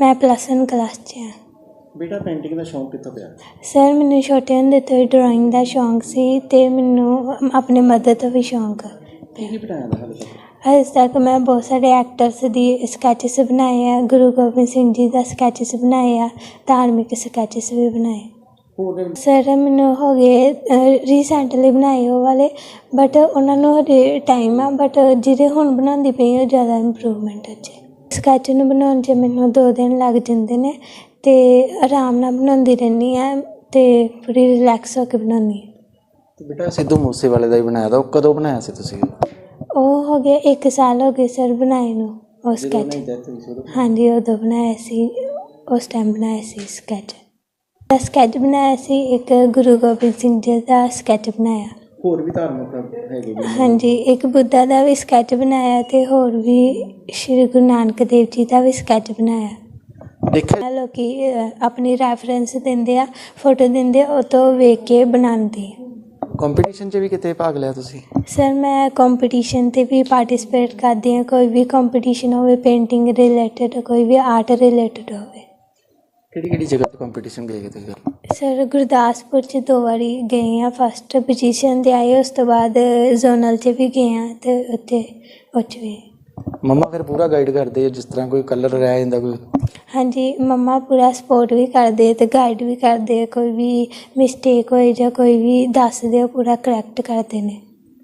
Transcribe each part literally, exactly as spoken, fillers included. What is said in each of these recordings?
मैं plus one class च हाँ। बेटा पेंटिंग का शौक कितना पिया? सर मैंने छोटे होंदे तो ही ड्राइंग का शौक सी ते मैनू अपने मदर तो भी शौक की की बनाया था हाले तक? अज तक मैं बहुत सारे एक्टर्स दी स्कैचेस बनाए हैं, गुरु गोबिंद सिंह जी का स्कैचेस बनाए हैं, धार्मिक स्कैचेस भी बनाए। ਹੋਰ सर मैनू हो गए रीसेंटली बनाए वो वाले, बट उन्होंने हजे टाइम आ, बट जिहदे हुण बनांदी पई ਉਹ ज़्यादा इंप्रूवमेंट अच्छे। स्कैच ਨੂੰ ਬਣਾਉਣ 'ਚ ਮੈਨੂੰ ਦੋ ਦਿਨ ਲੱਗ ਜਾਂਦੇ ਨੇ ਤੇ ਆਰਾਮ ਨਾਲ ਬਣਾਉਂਦੀ ਰਹਿੰਦੀ ਹਾਂ ਤੇ ਪੂਰੀ ਰਿਲੈਕਸ ਹੋ ਕੇ ਬਣਾਉਂਦੀ ਹਾਂ। ਤੇ ਬੇਟਾ ਸਿੱਧੂ ਮੂਸੇਵਾਲੇ ਦਾ ਹੀ ਬਣਾਇਆ ਤਾਂ ਉਹ ਕਦੋਂ ਬਣਾਇਆ ਸੀ ਤੁਸੀਂ? ਉਹ ਹੋ ਗਿਆ ਇੱਕ ਸਾਲ ਹੋ ਗਏ ਸਰ ਬਣਾਏ ਨੂੰ ਉਹ ਸਕੈਚ। ਹਾਂਜੀ ਉਦੋਂ ਬਣਾਇਆ ਸੀ, ਉਸ ਟਾਈਮ ਬਣਾਇਆ ਸੀ ਸਕੈਚ। ਸਕੈਚ ਬਣਾਇਆ ਸੀ ਇੱਕ ਗੁਰੂ ਗੋਬਿੰਦ ਸਿੰਘ ਜੀ ਦਾ ਸਕੈਚ ਬਣਾਇਆ। ਹੋਰ ਵੀ ਧਾਰਮਿਕ ਹੈਗੇ? ਹਾਂਜੀ ਇੱਕ ਬੁੱਧਾ ਦਾ ਵੀ ਸਕੈਚ ਬਣਾਇਆ ਤੇ ਹੋਰ ਵੀ ਸ਼੍ਰੀ ਗੁਰੂ ਨਾਨਕ ਦੇਵ ਜੀ ਦਾ ਵੀ ਸਕੈਚ ਬਣਾਇਆ। ਦੇਖਿਆ ਲੋਕੀ ਆਪਣੀ ਰੈਫਰੈਂਸ ਦਿੰਦੇ ਆ, ਫੋਟੋ ਦਿੰਦੇ ਆ, ਉਹ ਤੋਂ ਵੇਖ ਕੇ ਬਣਾਉਂਦੇ ਆ। ਕੰਪੀਟੀਸ਼ਨ 'ਚ ਵੀ ਕਿਤੇ ਭਾਗ ਲਿਆ ਤੁਸੀਂ? ਸਰ ਮੈਂ ਕੰਪੀਟੀਸ਼ਨ 'ਤੇ ਵੀ ਪਾਰਟੀਸਪੇਟ ਕਰਦੀ ਹਾਂ, ਕੋਈ ਵੀ ਕੰਪੀਟੀਸ਼ਨ ਹੋਵੇ ਪੇਂਟਿੰਗ ਰਿਲੇਟਡ, ਕੋਈ ਵੀ ਆਰਟ ਰਿਲੇਟਡ ਹੋਵੇ। ਕਿਹੜੀ ਕਿਹੜੀ ਜਗ੍ਹਾ 'ਤੇ ਕੰਪੀਟੀਸ਼ਨ ਗਏ ਤੁਸੀਂ? ਸਰ ਗੁਰਦਾਸਪੁਰ 'ਚ ਦੋ ਵਾਰੀ ਗਏ ਹਾਂ, ਫਸਟ ਪੋਜੀਸ਼ਨ 'ਤੇ ਆਏ, ਉਸ ਤੋਂ ਬਾਅਦ ਜ਼ੋਨਲ 'ਚ ਵੀ ਗਏ ਹਾਂ ਅਤੇ ਉੱਥੇ ਉੱਚ ਵੀ। ਮੰਮਾ ਫਿਰ ਪੂਰਾ ਗਾਈਡ ਕਰਦੇ ਜਿਸ ਤਰ੍ਹਾਂ ਕੋਈ ਕਲਰ ਰਹਿ ਜਾਂਦਾ ਕੋਈ? ਹਾਂਜੀ ਮੰਮਾ ਪੂਰਾ ਸਪੋਰਟ ਵੀ ਕਰਦੇ ਅਤੇ ਗਾਈਡ ਵੀ ਕਰਦੇ, ਕੋਈ ਵੀ ਮਿਸਟੇਕ ਹੋਏ ਜਾਂ ਕੋਈ ਵੀ ਦੱਸਦੇ ਉਹ ਪੂਰਾ ਕਰੈਕਟ ਕਰਦੇ ਨੇ।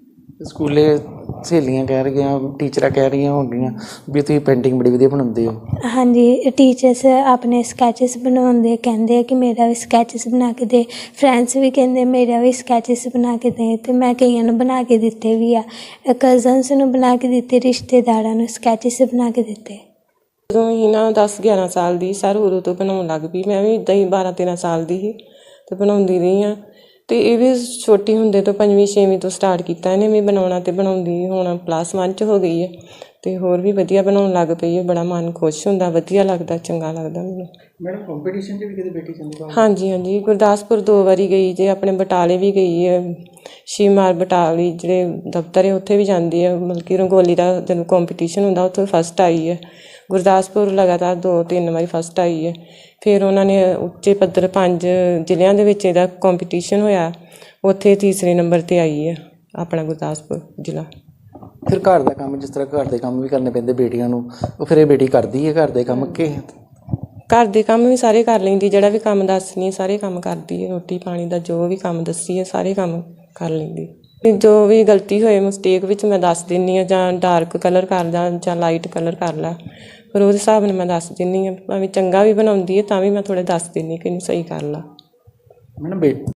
ਸਕੂਲੇ ਸਹੇਲੀਆਂ ਕਹਿ ਰਹੀਆਂ, ਟੀਚਰਾਂ ਕਹਿ ਰਹੀਆਂ ਹੋਣਗੀਆਂ ਵੀ ਤੁਸੀਂ ਪੇਂਟਿੰਗ ਬੜੀ ਵਧੀਆ ਬਣਾਉਂਦੇ ਹੋ। ਹਾਂਜੀ ਟੀਚਰਸ ਆਪਣੇ ਸਕੈਚਸ ਬਣਾਉਂਦੇ, ਕਹਿੰਦੇ ਆ ਕਿ ਮੇਰਾ ਵੀ ਸਕੈਚਸ ਬਣਾ ਕੇ ਦੇ, ਫਰੈਂਡਸ ਵੀ ਕਹਿੰਦੇ ਮੇਰਾ ਵੀ ਸਕੈਚਸ ਬਣਾ ਕੇ ਦੇ, ਅਤੇ ਮੈਂ ਕਈਆਂ ਨੂੰ ਬਣਾ ਕੇ ਦਿੱਤੇ ਵੀ ਆ, ਕਜ਼ਨਸ ਨੂੰ ਬਣਾ ਕੇ ਦਿੱਤੇ, ਰਿਸ਼ਤੇਦਾਰਾਂ ਨੂੰ ਸਕੈਚਸ ਬਣਾ ਕੇ ਦਿੱਤੇ। ਜਦੋਂ ਹੀ ਨਾ ਦਸ ਗਿਆਰਾਂ ਸਾਲ ਦੀ ਸਰ ਉਦੋਂ ਤੋਂ ਬਣਾਉਣ ਲੱਗ ਪਈ, ਮੈਂ ਵੀ ਇੱਦਾਂ ਹੀ ਬਾਰਾਂ ਤੇਰਾਂ ਸਾਲ ਦੀ ਸੀ ਅਤੇ ਬਣਾਉਂਦੀ ਰਹੀ ਹਾਂ। ਅਤੇ ਇਹ ਵੀ ਛੋਟੀ ਹੁੰਦੇ ਤੋਂ ਪੰਜਵੀਂ ਛੇਵੀਂ ਤੋਂ ਸਟਾਰਟ ਕੀਤਾ ਇਹਨੇ ਵੀ ਬਣਾਉਣਾ, ਅਤੇ ਬਣਾਉਂਦੀ ਹੁਣ ਪਲੱਸ ਵਨ 'ਚ ਹੋ ਗਈ ਹੈ ਅਤੇ ਹੋਰ ਵੀ ਵਧੀਆ ਬਣਾਉਣ ਲੱਗ ਪਈ ਹੈ। ਬੜਾ ਮਨ ਖੁਸ਼ ਹੁੰਦਾ, ਵਧੀਆ ਲੱਗਦਾ, ਚੰਗਾ ਲੱਗਦਾ ਮੈਨੂੰ। ਮੈਡਮ ਕੰਪੀਟੀਸ਼ਨ 'ਚ ਵੀ ਕਿਤੇ ਬੇਟੀ ਜਾਂਦੀ? ਹਾਂਜੀ ਹਾਂਜੀ ਗੁਰਦਾਸਪੁਰ ਦੋ ਵਾਰੀ ਗਈ ਜੇ, ਆਪਣੇ ਬਟਾਲੇ ਵੀ ਗਈ ਹੈ, ਸ਼ਿਵਮਾਰ ਬਟਾਲੀ ਜਿਹੜੇ ਦਫ਼ਤਰ ਹੈ ਉੱਥੇ ਵੀ ਜਾਂਦੀ ਹੈ, ਮਤਲਬ ਕਿ ਰੰਗੋਲੀ ਦਾ ਜਦੋਂ ਕੰਪੀਟੀਸ਼ਨ ਹੁੰਦਾ ਉੱਥੇ ਫਸਟ ਆਈ ਹੈ। ਗੁਰਦਾਸਪੁਰ ਲਗਾਤਾਰ ਦੋ ਤਿੰਨ ਵਾਰੀ ਫਸਟ ਆਈ ਹੈ। ਫਿਰ ਉਹਨਾਂ ਨੇ ਉੱਚੇ ਪੱਧਰ ਪੰਜ ਜ਼ਿਲ੍ਹਿਆਂ ਦੇ ਵਿੱਚ ਇਹਦਾ ਕੰਪੀਟੀਸ਼ਨ ਹੋਇਆ, ਉੱਥੇ ਤੀਸਰੇ ਨੰਬਰ 'ਤੇ ਆਈ ਹੈ ਆਪਣਾ ਗੁਰਦਾਸਪੁਰ ਜ਼ਿਲ੍ਹਾ। ਫਿਰ ਘਰ ਦਾ ਕੰਮ, ਜਿਸ ਤਰ੍ਹਾਂ ਘਰ ਦੇ ਕੰਮ ਵੀ ਕਰਨੇ ਪੈਂਦੇ ਬੇਟੀਆਂ ਨੂੰ, ਉਹ ਫਿਰ ਇਹ ਬੇਟੀ ਕਰਦੀ ਹੈ ਘਰ ਦੇ ਕੰਮ ਕਿ? ਘਰ ਦੇ ਕੰਮ ਵੀ ਸਾਰੇ ਕਰ ਲੈਂਦੀ, ਜਿਹੜਾ ਵੀ ਕੰਮ ਦੱਸਣੀ ਹੈ ਸਾਰੇ ਕੰਮ ਕਰਦੀ ਹੈ, ਰੋਟੀ ਪਾਣੀ ਦਾ ਜੋ ਵੀ ਕੰਮ ਦੱਸੀ ਹੈ ਸਾਰੇ ਕੰਮ ਕਰ ਲੈਂਦੀ। ਜੋ ਵੀ ਗਲਤੀ ਹੋਏ ਮਿਸਟੇਕ ਵਿੱਚ ਮੈਂ ਦੱਸ ਦਿੰਦੀ ਹਾਂ, ਜਾਂ ਡਾਰਕ ਕਲਰ ਕਰ ਜਾਂ ਜਾਂ ਲਾਈਟ ਕਲਰ ਕਰ ਲੈ, ਫਿਰ ਉਹਦੇ ਹਿਸਾਬ ਨਾਲ ਮੈਂ ਦੱਸ ਦਿੰਦੀ ਹਾਂ। ਭਾਵੇਂ ਚੰਗਾ ਵੀ ਬਣਾਉਂਦੀ ਹੈ ਤਾਂ ਵੀ ਮੈਂ ਥੋੜ੍ਹਾ ਦੱਸ ਦਿੰਦੀ ਕਿ ਇਹਨੂੰ ਸਹੀ ਕਰ ਲਾ। ਮੈਡਮ ਬੇ